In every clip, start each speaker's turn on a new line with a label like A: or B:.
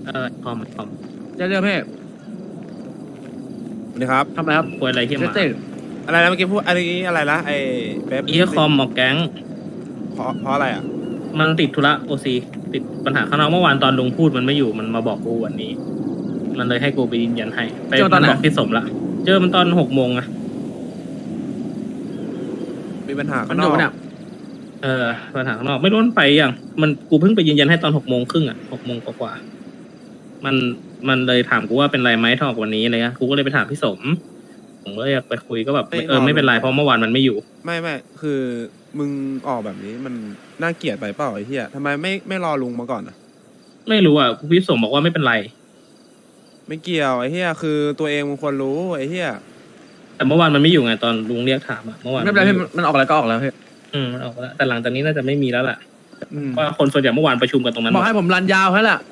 A: คอม
B: เจอเพ่
C: สวัสดีครับ
B: ทำอะไรครับ
A: ป่วยอะไรที่มา
B: เต้
C: อะไรนะเมื่อกี้พูดอะไรนี้อะไรนะไอ้เป๊ป
A: อีคอมออกแก๊ง
C: เพราะอะไรอ่ะ
A: มันติดธุระโอซีติดปัญหาข้างนอกเมื่อวานตอนลุงพูดมันไม่อยู่มันมาบอกกูวันนี้ มันเลยให้กูไปยืนยันให้ไปมันบอกพี่สมละเจอมันตอน6 โมงอะ
C: มีปัญหา
B: มั
C: ข้าน งน
B: อยู่
C: อก
B: เนี่ย
A: ปัญหาข้างนอกไม่รู้มันไปยังมันกูเพิ่งไปยืนยันให้ตอน6 โมงครึ่งอะ6 โมงกว่ามันเลยถามกูว่าเป็นไรไหมถ้าออกวันนี้อะไรเงี้ยกูก็เลยไปถามพี่สมผมก็เลยอยากไปคุยก็แบบไม่เป็นไรเพราะเมื่อวานมันไม่อยู่
C: ไม่คือมึงออกแบบนี้มันน่าเกลียดไปเปล่าไอ้เหี้ยทำไมไม่รอลุงมาก่อนอ่ะ
A: ไม่รู้อ่ะพี่สมบอกว่าไม่เป็นไร
C: ไม่เกี่ยวไอ้เหี้ยคือตัวเองมึงควรรู้ไอ้เหี้ย
A: แต่เมื่อวานมันไม่อยู่ไงตอนลุงเรียกถามอะเมื่อวาน
B: ไม่เป็นไรพี่มันออกอะไรก็ออกแล้วพี่
A: มันออกแล้วแต่หลังจากนี้น่าจะไม่มีแล้วแหละว่าคนส่วนใหญ่เมื่อวานประชุมกันตรงนั้น
B: บอกให้ผมรันยาวแค่แหละ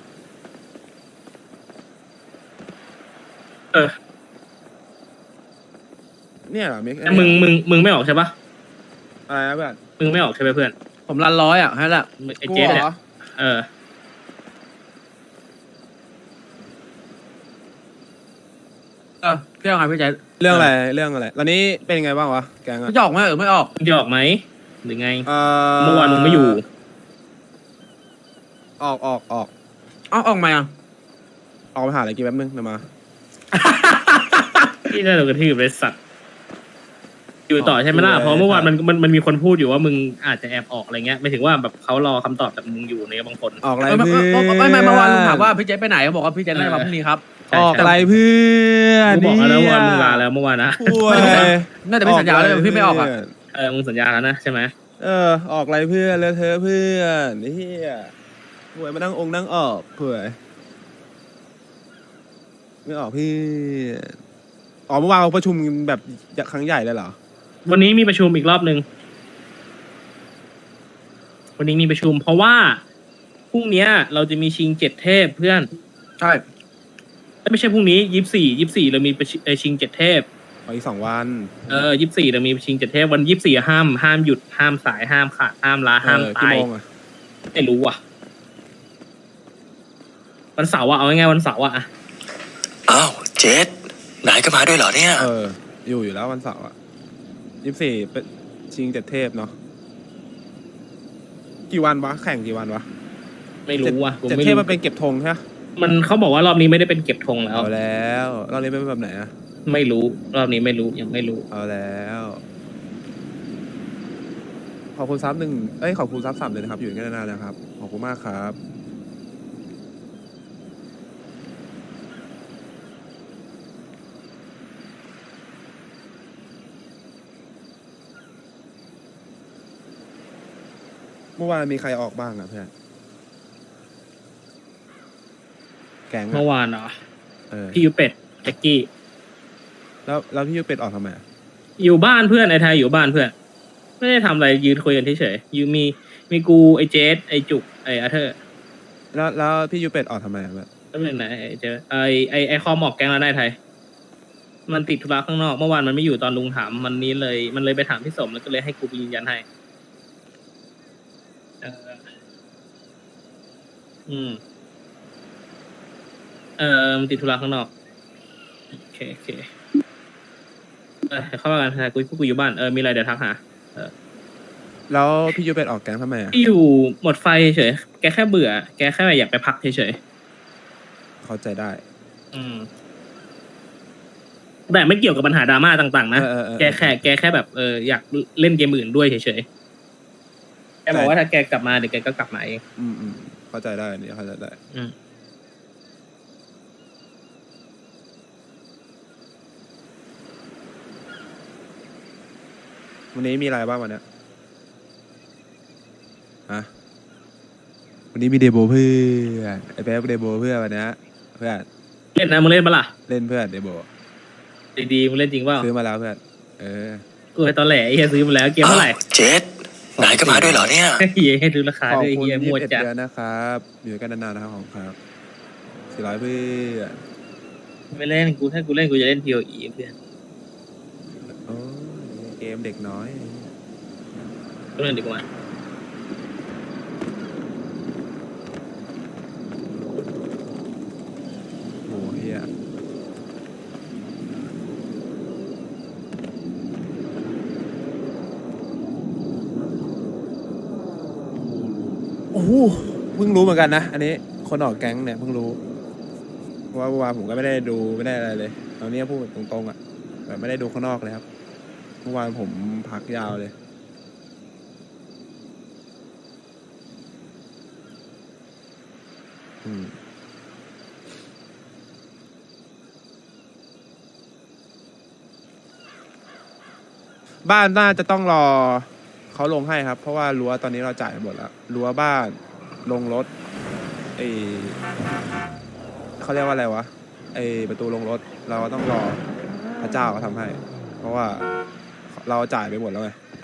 C: เนี่ยเหรอมิก
A: แต่มึงไม่ออกใช่ปะ
C: อะไรนะเพื่อน
A: มึงไม่ออกใช่ไหมเพื่อน
B: ผมรัน100อ่ะแค่แหละ
A: ไอเจสเนี่ยเออ
B: พี่เอาไงพี่ใจ
C: เรื่องอะไรตอนนี้เป็นยังไงบ้างวะแกงอ่ะ
B: พี่จะออกไหมไม่ออก
A: มึงจะออกไหมหรือไงเมื่อวานมึงไม่อยู่
C: ออก
B: ออกไหมอ่ะ
C: ออกไปหาอะไรกินแป๊บนึงเดี๋ยวมา
A: ที่ได้เรากระทืบเลยสัตว์อยู่ต่อใช่ไหมล่ะเพราะเมื่อวานมันมีคนพูดอยู่ว่ามึงอาจจะแอบออกอะไรเงี้ยไม่ถึงว่าแบบเขารอคำตอบจากมึงอยู่ในบางคน
C: ออกอะไรเพื่อน
B: ไม่เมื่อวานลุงถามว่าพี่ใจไปไหนเขาบอกว่าพี่ใจน่าจะมาพรุ่งนี้ครับ
C: ออกอะไรเพื่อน
A: กูบอกแล้วว่ามึงลาแล้วเมื่อวานนะ
B: น่าจะมีสัญญาแล้วพี่ไม่ออกอ่ะ
A: มึงสัญญาแล้วนะใช่ไหม
C: ออกอะไรเพื่อนเลอะเทอะเพื่อนเฮียป่วยมานั่งนั่งออกเผื่อไม่ออกพี่เมื่อวานเราประชุมแบบครั้งใหญ่เลยเหรอ
A: วันนี้มีประชุมอีกรอบนึงวันนี้มีประชุมเพราะว่าพรุ่งนี้เราจะมีชิง7 เทพเพื่อน
B: ใช่
A: ไม่ใช่พรุ่งนี้24เรามีชิง7 เทพ
C: อีก2 วัน
A: 24เรามีชิง7 เทพวัน24ห้ามหยุดห้ามสายห้ามขาดห้ามลาห้ามตายไม่รู้อ่ะวันเสาร์อ่ะเอาง่ายๆวันเสาร์อ่ะ
D: อ้าวเจษนายก็มาด้วยเหรอเนี่ย
C: อยู่แล้ววันเสาร์อ่ะ24เป็นชิง7 เทพเนาะกี่วันวะแข่งกี่วันวะ
A: ไม่รู้ว่ะ
C: 7 เทพมันเป็นเก็บธงใช่ไหม
A: มันเขาบอกว่ารอบนี้ไม่ได้เป็นเก็บธงแล้ว
C: เอาแล้วรอบนี้เป็นแบบไหนอะ
A: ไม่รู้รอบนี้ไม่รู้ยังไม่รู้
C: เอาแล้วขอบคุณซับ1ขอบคุณซับ3เลยนะครับอยู่กันนานๆนะครับขอบคุณมากครับเมื่อวานมีใครออกบ้างอะเพื่อนแกง
A: เมื่อวานเหรอพี่ยูเป็ดแจ็กกี้
C: แล้วพี่ยูเป็ดออกทำไม
A: อยู่บ้านเพื่อนไอ้ไทยอยู่บ้านเพื่อนไม่ได้ทำอะไรยืนคุยกันเฉยๆยูมีกูไอ้เจสไอ้จุกไอ้อาเธอร์
C: แล้วพี่ยูเป็ดออกทำไมแบบ
A: แล้วเป็นไหนไอ้เจไอ้คอมออกแกงแล้วได้ไทยมันติดธุระข้างนอกเมื่อวานมันไม่อยู่ตอนลุงถามมันเลยไปถามพี่สมแล้วก็เลยให้กูไปยืนยันให้มันติดธุระข้างนอกโอเคเข้ามากันกูอยู่บ้านมีอะไรเดี๋ยวทักหา
C: แล้วพี่ยูเป็ดออกแก๊งทำไม
A: พี่อยู่หมดไฟเฉยแกแค่เบื่อแกแค่อยากไปพักเฉย
C: เข้าใจได้
A: แต่ไม่เกี่ยวกับปัญหาดราม่าต่างๆนะแกแค่แบบอยากเล่นเกมอื่นด้วยเฉยๆแกบอกว่าถ้าแกกลับมาเดี๋ยวแกก็กลับมาเอง
C: เข้าใจได้นี่เข้าใจได้วันนี้มีอะไรบ้างวันนี้วันนี้มีเดโบเพื่อนไอ้แป๊บเดโบเพื่อนวันนี้เพื่อน
A: เล่นนะมึงเล่นปะล่ะ
C: เล่นเพื่อนเดโบ
A: ดีมึงเล่นจริงเปล่า
C: ซื้อมาแล้วเพื่อน
A: กูให้ตอนแหล่ไอ้เหี้ยซื้อมาแล้วเกมเท่าไหร่
D: เจษนายก็มาด้วยเหรอเนี่ย
A: เหี้ยให้ดูราคาด้วยเหี้ยมั่วจัด
C: นะครับอยู่กันนานๆนะครับของครับ400เพื่อน
A: ไม่เล่นกูถ้ากูเล่นกูจะเล่น POE เพื่อน
C: เกมเด็กน้อย
A: เล่นดีกว่า
C: โอ้โหเพิ่งรู้เหมือนกันนะอันนี้คนออกแก๊งเนี่ยเพิ่งรู้เพราะว่าเมื่อวานผมก็ไม่ได้ดูไม่ได้อะไรเลยตอนนี้พูดตรงๆอ่ะแบบไม่ได้ดูข้างนอกเลยครับเมื่อวานผมพักยาวเลยบ้านน่าจะต้องรอเขาลงให้ครับเพราะว่ารั้วตอนนี้เราจ่ายไปหมดแล้วรั้วบ้านลงรถไอเขาเรียกว่าอะไรวะไอประตูลงรถเราก็ต้องรอพระเจ้าเขาทำให้เพราะว่าเราจ่ายไปหมดแล้วไง